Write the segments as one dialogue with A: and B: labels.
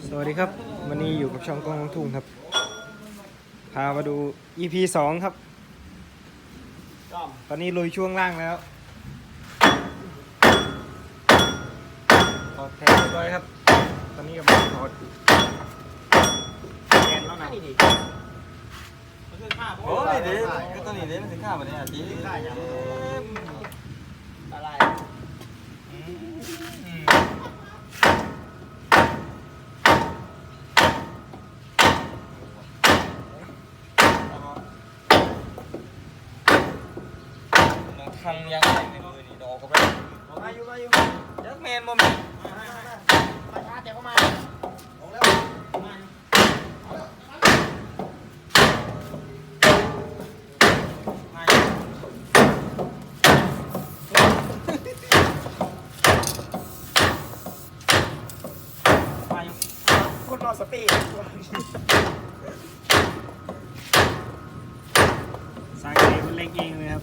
A: สวัสดีครับวันนี้อยู่กับช่องกล้องทุ่งครับพามาดู EP 2 ครับตอนนี้ลุยช่วงล่างแล้วถอดแทนเรียบร้อยครับตอนนี้กำลังถอดแกนแล้วนะ
B: โอ้ยเดี๋ยวก็ตอนนี้เดี๋ยวมันถึงข้าวแบบนี้อ่ะจีอะไรทำยังไงในมือนี่ดอกก็ไปมาอยู่ยักษ์แมนบ่มีมาช้าแต่ก็มาออกแล้วมาคนรอสปีด
A: สายเกมมันเล็กเองเลยครับ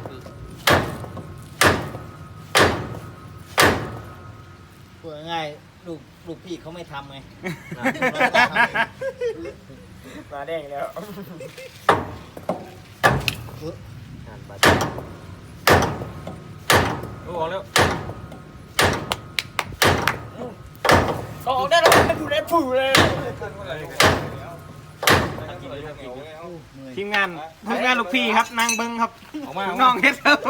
C: พูดง่ายๆลูกพี่เขาไม่ทำไง
A: มาแดงแล้ว
B: ออกแล้ว
C: ออกได้แล้วดูได้ผูเลย
A: ทีมงานลูกพี่ครับนั่งเบิ้งครับน้องเฮ็ดครับ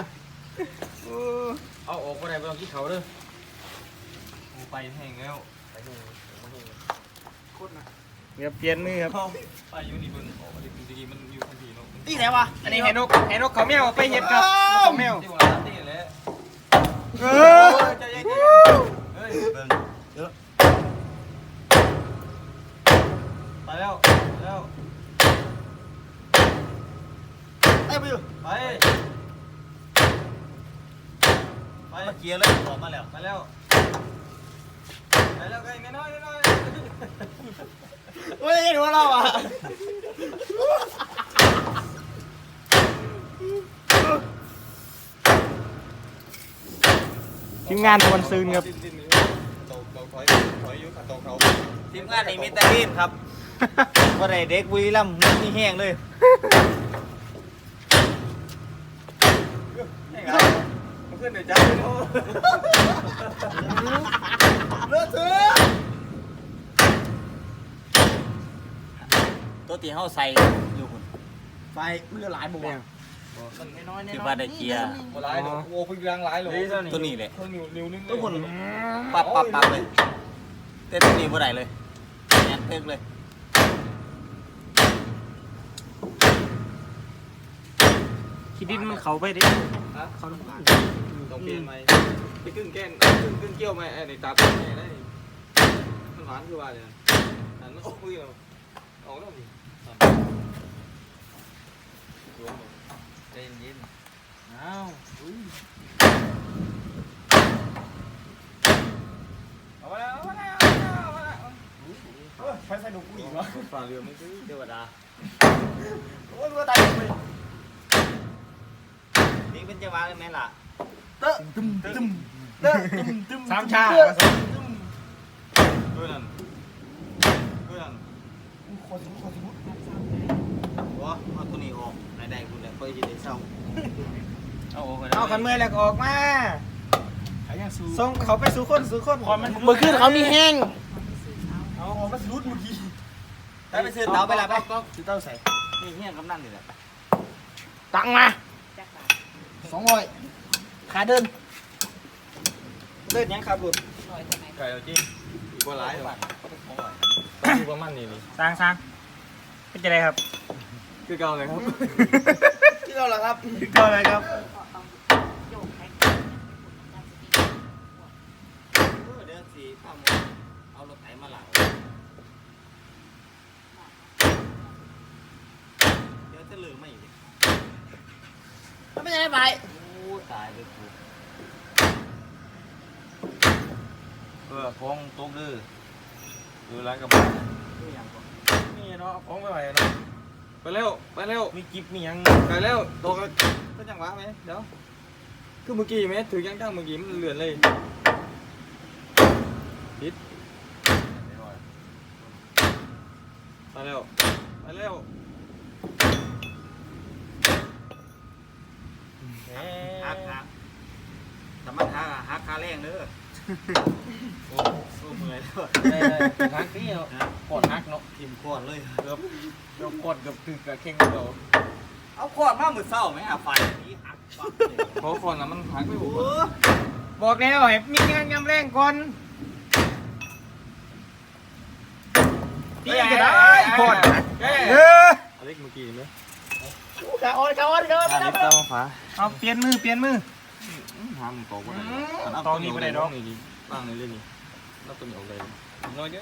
B: เอาออกไปไหนไปลองที่เขาเด้อไปแห้งแล้ว
A: เดี๋ยวเปลี่ยนมือครับ
B: ไปอยู่นี่เบิ่งออกมาดิจริงๆมันอยู่ทันทีเนาะ
C: นี่ไหนวะ
A: อันนี้เห็นนกเขาแมวไปเห็ดครับเขาแมว
B: ที่ผมรับตีแหละเฮ้ยเบิ่งเยอะไปแล้ว
C: ไปไปอยู่
B: ไป
C: มาเกียร์เลยออกมาแล้ว
B: ไปแล้วไงน้อย
C: โอ้ยหัวเราอ่ะ
A: ทีมงานตะวันซืนครับ
C: ทีมงานนี่มีแต่รีบครับว่าไรเด็กบุรีรัมย์นี่แห้งเลย
B: เพื่อนเดี๋ยวจ้าเลือดเสือ
C: ตัวตีเขาใส่อยู่คุณ
B: ไฟมันจะหลายบุกอ่ะ
C: คือว่าได้เกียร์
B: หลายโอ้พึ่งรังหลายเลย
C: ตัวนี้เลย
B: นิ้วนึง
C: ตัวคุณปับเลยแต่ตัวนี้ว่าไรเลยแอนเตึกเลย
A: คิดดินมันเขาไปดิ
B: เขาต้องเปลี่ยนไหมไปครึ่งแก้นครึ่งเกี่ยวไหมไอ้ในตาแม่ได้มันหวานคือว่าเลยนั่นโอ้ยออกแล้วดิใจเย็นอ้าวเอามาแล้วใช้ใส่ดุกุ้ยเหรอฝ่าเรือไม่ซื้อเทวดาโอ้ยว่าตายไป
C: นี่เป็นจังหวะเลยไหมล่ะ
A: สามชา
B: ด้วยนั่น
C: ว้าเอาตัวนี้ออกไหนๆคุณเลยค่อยจะได้เศร้า
A: เอาขันมือแล้วออกมาส่งเขาไปสู่คน
C: เมื่อคืนเขามีแห้ง
B: เอามาสุดเมื่อกี้
C: ไปซื้อเตาไปละไปซื้อเตาใส่นี่เฮี้ยงกำนันนี่แหละ
A: ตังมา
C: 200ขาเดินยังขับรถ
B: ไก่เอาจริงกว่าหลายหรอประมาณนี้นี่
A: สร้างเป็นจะไรครับ
B: คือเก่าเลยครับ
C: ที่เราเหรอครับ
A: ก็อะไรครับ
C: เดินสีข้ามเอารถไถมาหลังเดี๋ยวจะเหลือไม่อยู่ไม่ใช่ไปโอ้ตายเลยกู
B: ของตกดื้อดูร้านกระบะนี่เนาะของไม่ไหวเนาะไปเร็ว
A: มีกิฟมียัง
B: ไปเร็วตกก็จังหวะไหมเดี๋ยวคือเมื่อกี้ไหมถือยังตั้งเมื่อกี้มันเลื่อนเลยปิดแล้วมาแล้ว
C: ฮักแต่มันฮักคาแรงเด้อโอ้เมื่อยแล้ว
A: ฮักนี่เนาะกดฮักเนาะ
C: ทิมก่อนเลย
A: เกือบกดเกือบตึกกับเข่งเรา
C: เอาขวดมามือเศร้าไหมไฟนี้ฮักปั๊บเลย
B: เพราะคนน่ะมันหักไม่บุก
A: บอกแล้วให้มีงานยำแรงก่อนตีกันได้กด
B: อเล็กเมื่อกี้ไหม
A: กะออน
B: อันนี้ตามฟ้า
A: เอาเปลี่ยนมือ
B: ทำตัวก็ได้
A: ตอนนี้ไม่ได้ดอก
B: นี่ดิบ้างในเรื่องนี้แล้วตัวนี้ออกเลยน้อยเด้อ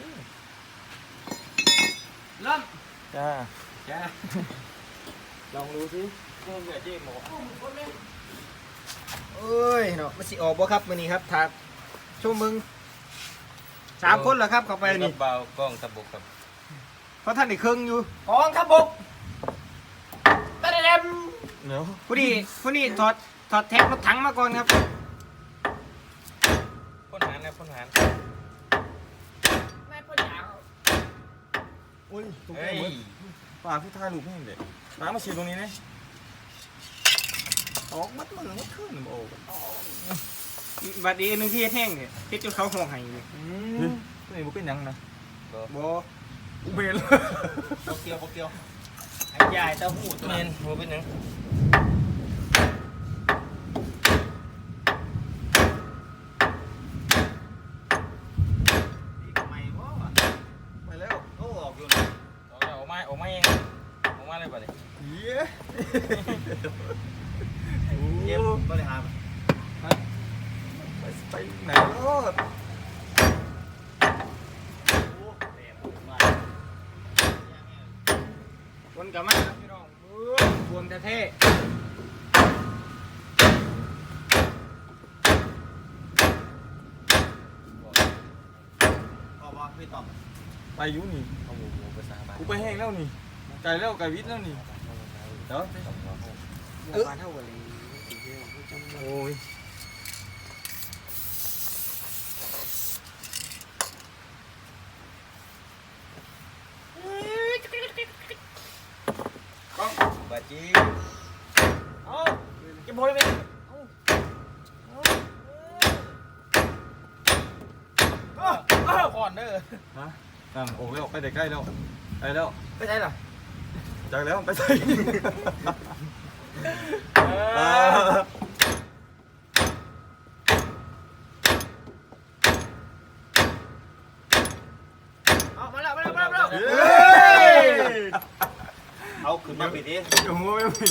C: เริ่ม
B: จ้า
C: จ้า
B: ลองดูสิเพิ่มแบบเจ๊หมอ
A: เอ้ยเนาะมันสิออกบ่ครับมื้อนี้ครับถ้าชั่วมึง3 คนเหรอครับเข้าไปนี่
B: เบากล้องตะบกครับ
A: เพราะท่านอีกครึ่งอยู่กองทัพบกตะเดม
B: เนาะ
A: ผู้นี้ถอดแท็กรถถังมาก่อนครับ
B: พ่นหานนะพ่นหาน
A: แม่พ่นยาว
B: อุ้ยตรงนี้ปากพี่ท่าลูกแห้งเด็กน้ำมาฉีดตรงนี้นะออกมัดมือมัดขึ้นโอ้
A: บัดนี้นึงที่แห้งเนี่ยเฮ็ดจนเขาห่อให้เลย
B: ตัวนี้บุเป็นยังนะ
A: บ่
B: อุเบล
C: โบเกียวไอ้ยายเต้าหู้ตัว
B: เม
C: นั้น
B: นบุเป็นยัง
C: นี่ทำไมวะ
B: ไปแล้ว
C: โอ้ออกอยู่
B: ออกมาเองออกมาเลยป่ะเนี่ย
C: เย็บบริหาร
B: ไปไหนรอด
A: วนกลับมาครับพี่น้องบวมแต่เท่
C: พอป่ะพี่ต่อม
B: ไปยุนี่
C: เอาหมูไปสาบาน
B: กูไปแห้งแล้วนี่ไก่แล้วไก่วิทย์แล้วนี่เดี๋ยว
A: บานเท่ากันเลย
B: โอ้ย
C: บาจี
A: เอาเก็บโบยไปก่อนเด้อ
B: ฮะนั่นโอ้ยออกไปใกล้แล้วไปแล้ว
A: ไปไหนล่ะ
B: จากแล้วไปใส่
A: เอามาแล้ว
C: เอาขึ้นมาปิดดิ
B: อยู่หัวไม่มี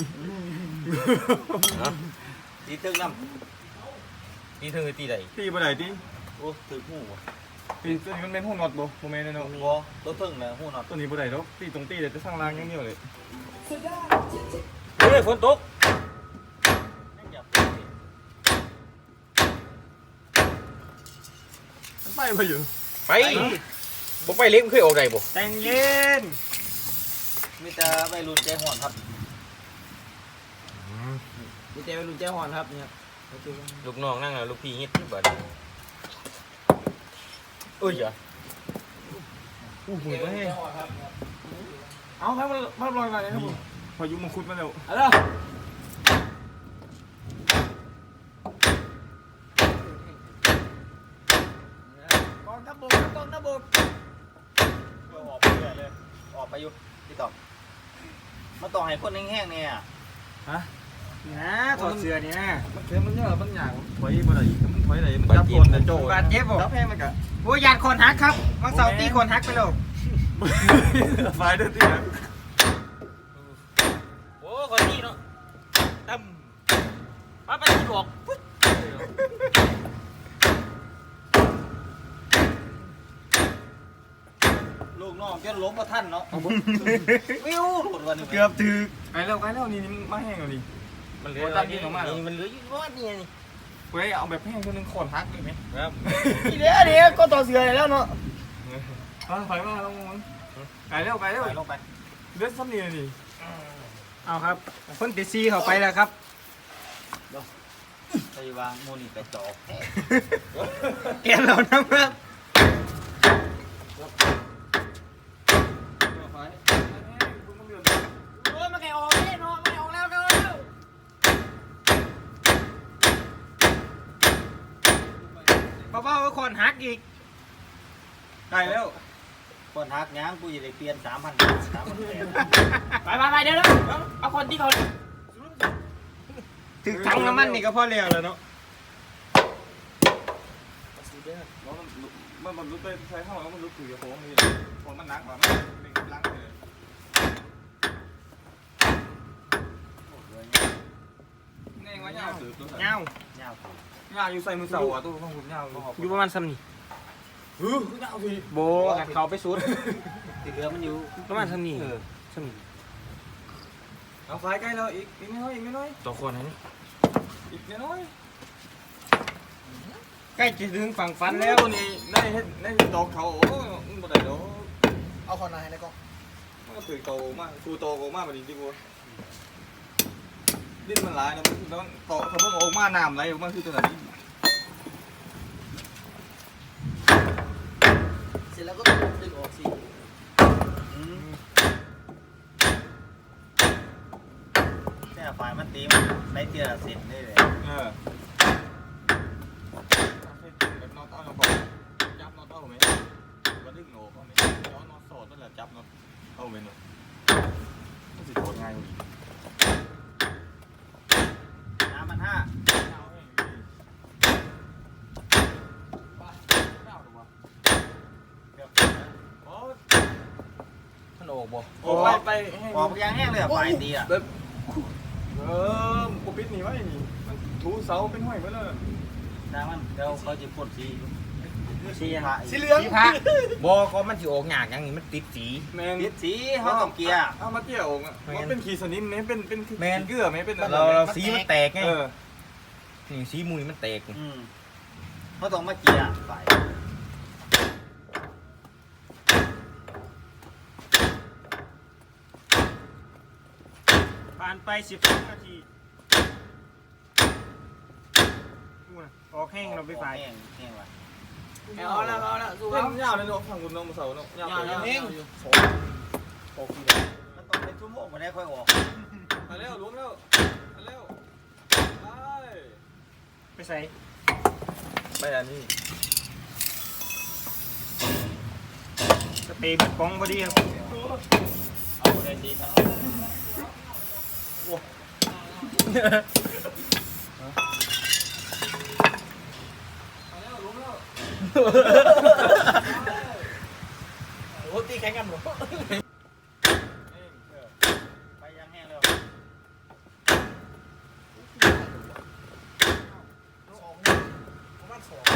C: ตีตึ้งน้
B: ตีเธอตีไหนตีบ่ไหนตี
C: ำโอ้ถือหูวะ
B: ตีตัวนี้มันเป็นหูนอดบ่โมเมนต์เนาะ
C: หัวตัวตึ้งนะหูนอน
B: ตัวนี้บ่ไหนเนาะตีตรงตีเดี๋ยวจะสร้างรางอย่างเดียวเลย
C: เฮ้ยฝนตก
B: มันไปไปอยู่
D: ไปบ่ไปเล็กมันเคยออกได้บ่
A: แต่งเย็น
C: มีแต่วัยรุ่นใจห่อนครับ
A: มีแต่วัยรุ่นใจห่อนครับเนี่ย
D: ลูกน้องนั่งแล้วลูกพี่เฮ็ดที่บ่ได้เอ้ยอย่า
B: อู้หูไปแห้ง
A: เอาให้มันลอยมาเลยครับผม
B: พายุมังคุดมาแล้ว
A: เอาละ กองทัพบกกองทัพบก
C: ออกไปเรื่อยเลยออกไปอยู่พี่ต่อมมาต่อให้คนแห้งๆเนี่ย
B: ฮะ
A: นะถอดเสื้อเนี่ย
B: มันเค็มมันเยอะมันหยางถอยบ่ไหนมันถอยไหนมันจับคนแต่โจ
A: บาดเจ็บบ่
B: จับแห้งมันกะ
A: โอ้ยยานคนฮักครับวันเสาร์ตีคนฮักไปแล้ว
B: ไฟเด้อตีนะ
D: โอ้คนนี้เนาะตั้มมาไปที่บอก
C: ลูกน้องจนล้มมาท่านเนาะวิวหลุดวันนี้
A: เกือบถึก
B: ไกลแล้วนี่มาแห้งแล้วนี่
D: มันเหลือ
B: โอ้ตั้งยิงออกมาเหรอ
D: นี่มันเหลืออยู่ว่านี่นี่
B: เว้ยเอาแบบแห้งคนนึงขอนฮักเลยไหม
D: ครับ
A: เดี๋ยวก็ต่อเสือแล้วเนาะ
B: ถอยมาลงมันไกลแล้ว
C: ไปลงไป
B: เลือดซ้ำนี่นี่
A: เอาครับคนติดซีเข้าไปแล้วครับ
C: ไปวางโมนี่ไปจอก
A: เกลียดเรานะครับ
B: ไฟ
A: เบาๆก็คอนหักอีก
B: ได้แล้ว
C: คนฮักยังกูจะได้เปลี่ยน3,000
D: ไปเดี๋ยวเอาคนที่เขา
A: ถึงถังน้ำมันนี่ก็พอแล้วเนาะ
B: มันรู้ไปใช้เข้าแล้วมันรู้ถือโค้งนี่พอมันนักแบบมันเป็นลังเลยนี่ว่าเงาถือตัว
A: เงา
C: เงาตัว
B: เงาอยู่ใส่มือเสาอ่ะตัวของคุณเงา
A: อยู่ประมาณซ้ำนี่
B: เงาสิ
A: โบเขาไปสุด
C: ที่เหลือมันอยู่
A: ประมาณซ้ำนี่ซ้ำนี่
B: เอาไฟใกล้เราอีกไม่น้อยอีกไม่น้อย
A: ตัวคนนั้น
B: อีกไม่น้อย
A: ใกล้จะถึงฝั่งฟัน
B: แล้
A: แล้ว
B: วนี่ได้ดอกเขาโอ้มึงบ่ได้ดอก
E: เอาคอนนายในกล้อง
B: มันก็ถือโตมากชูโตมากแบบนี้ดิกูดิ้นมันหลายนะมันโตเขาเพิ่งออกมาน้ำไหลออกมาคือตัวไหน
E: เสร็จแล้วก็ต้องดึงออกสิ
C: เนี่ยฝ่ายมันตีมันได้เทียละเซนได้เลย
B: แบบนอตเอาพอจับนอตเอาไหมว่าดึงโหนเอาไหมย้อนนอตสอดนั่นแหละจับนอตเอาไหมเนาะมันสิโดนง่ายกว่า
C: 3,500
A: มันออกบ่
B: โอ้ไป
C: ออกยังแห้งเลยฝ่ายตีอ่ะ
B: ปุ๊บปิดหนีไว้นี่มันถูเสาเป็นห้อยไว้เลย
C: น้ำมันเดี๋ยวเขาจะพ่นสี
A: สียัง
E: สีเหลือง
A: สีผ้าบ่ก็มันสิออกยากอย่างนี้มันติดสี
B: แมง
C: ติดสีเขาต้องเกียร์
B: เอามาเกี่ยวอ่ะมันเป็นขีสนิมไหมเป็นขีเกลือไหมเป็น
A: เราสีมันแตกไง
B: เออ
A: นี่สีมุยมันแตก
C: เขาต้องมาเกียร์ฝ่าย
A: ผ่านไป12 นาทีออกแห้งเราไปฝ่าย
C: แห้งว่ะ
E: เอาแล้วสู้
B: เล่
E: เขา
B: นยาวเลยเนาะฝั่งคุณน้องเสาเนาะยาว
C: มันต้องเป็นชั่วโมงกว่านี้ค่อยออก
B: มาแล้วล้วงแล้วมาแล้วไป
A: ไปใส่
B: ไปอันนี้
A: สเปรย์เบิดกล่องพอดีครับ
C: เอาได้ดีทั้ง
B: มาแล้วล้วงแล้ว
E: โอ้ตีแข่งกันหมด
C: ไปยังแห้งแล้ว
E: ประมาณ2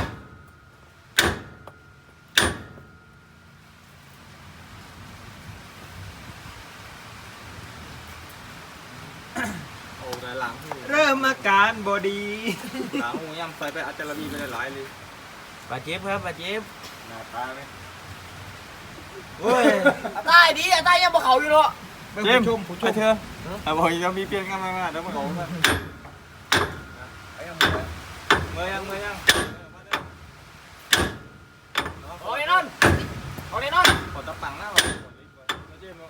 B: โอ้ได้หลังที่
A: เริ่มอาการบอดี
B: หลังหูย่ำใส่ไปอาจารย์บีไปได้หลายเลย
A: บาดเจ็บครับบาดเจ็บ
C: หน้าตาไหม
A: เฮ้ย
E: ใต้ดีใต้ยังบ่เขาอยู่เนาะ
B: เจมส์ไปเถอะบอกยังมีเปลี่ยนกันมาเดี๋ยวมาบอกกันเมื่อยัง
E: เอาเลยนอนเอาเลยนอน
B: ขอตะปังหน้าเราเจมส์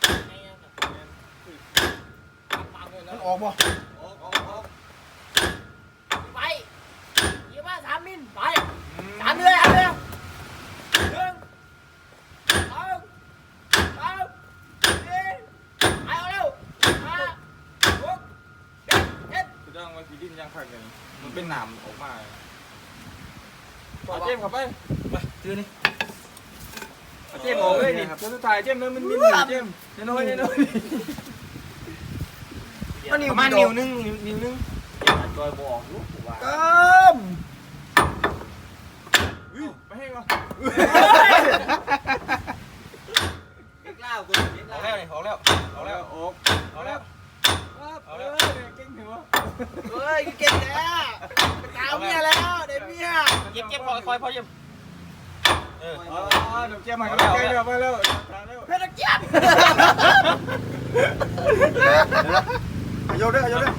E: มันออกบ่
B: ออก
E: ไปยี่ว่า3 มิลไป3 เดือน1 2 3 4 5 6 7 8 ไปเอาเร็ว5 6 7
B: คือต้องไว้ฟีดินยังขัดกันมันเป็นหนามออกมาเจมส์ขับไป
A: ไปซื้อนี่
B: เจมส์ออกเลยนี่ครับสุดท้ายเจมส์มันมีเจมส์น้อย
A: ประมาณนิ้วนึงนิ้วนึง
C: จอยบอกลูกว่า
B: ไปให้ก่อน
C: เล็กเล่ากูเล็ก
A: ออ
C: เล่าก
A: แล้วนี่ออกแล้ว
B: เอาแล้วออก
A: เอาแล้ว
B: เก่งหัว
E: เฮ้ยเก่งแล้วตามเมียแล้วเด็กเมีย
A: เจ็บคอยพอเจ็บเออ
B: เดี๋ยวเจมส์มาแล้วไปแล้ว
E: เพชรเจี๊ยบ
B: โยนด้วย
A: เอาเลย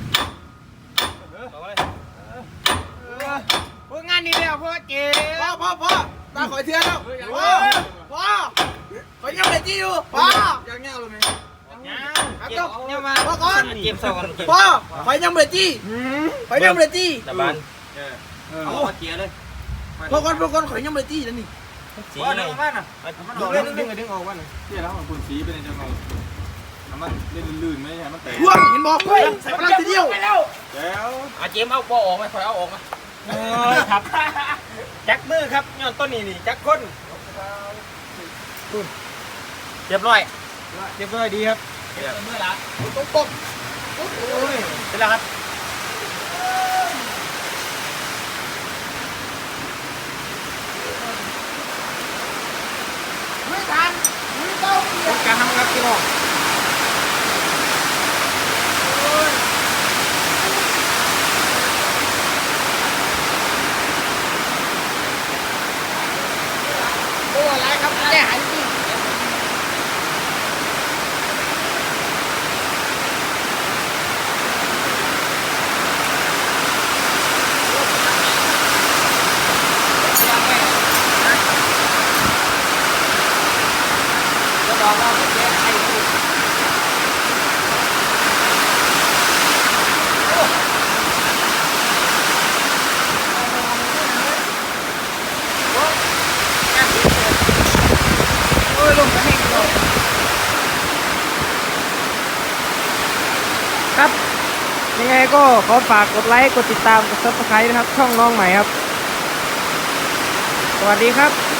A: พวกงานนี้แล้วพวกเจ็บ
E: พ่อตาขอยเทือนแล้วพ่อขอยยังไม่จี้อยู่พ่อ
B: ยังเงี้ยเลยไหม
A: เนี่ยมา
E: พ่อก่อน
A: เจ็บสองกัน
E: พ่อขอยยังไม่จี้ขอยยังไม่จี้
A: ตะบัน
C: เอามาเกียร์เลย
E: พวกคนข่อยยังไม่ตีแล้วนี่
D: สี
A: ว่า
D: เล
A: ดึ
D: ย
A: งมาน่ะ
B: มัน
A: ดึ
B: โด
A: ง
B: น
A: เลย
B: ดึง
A: ดึงดึงออกมาน่ะ
B: ที่แล้วของคุณสีเป็นยังไงน้ำมันเล่นลื่นๆไหมใช่มันแตก
E: พ่วงเห็นบอกเฮ้ยใส่พลังทีเดียว
B: แล้ว
D: อาเจมเอาบ่ออกไหมคอยเอาออกไหม
A: เออครับจักมือครับย้อนต้นนี่จักคน
D: เรียบร้อย
A: เรียบร้อยดีครับ
D: เมื่อละ
E: ตบ
A: โอ้ย
D: เป็นแล้วครับ
E: ไม่ทันไม่ต้องเปลี่ยน
A: การทำครับพี่น้อง
E: โอ้อะไรครับแก้หายจริง
D: จะบอกว่าผมแก้ไข
A: โอ้ยลงกันเองเลยครับ ยังไงก็ขอฝากกดไลค์ กดติดตาม กด Subscribe นะครับ ช่องน้องใหม่ครับ สวัสดีครับ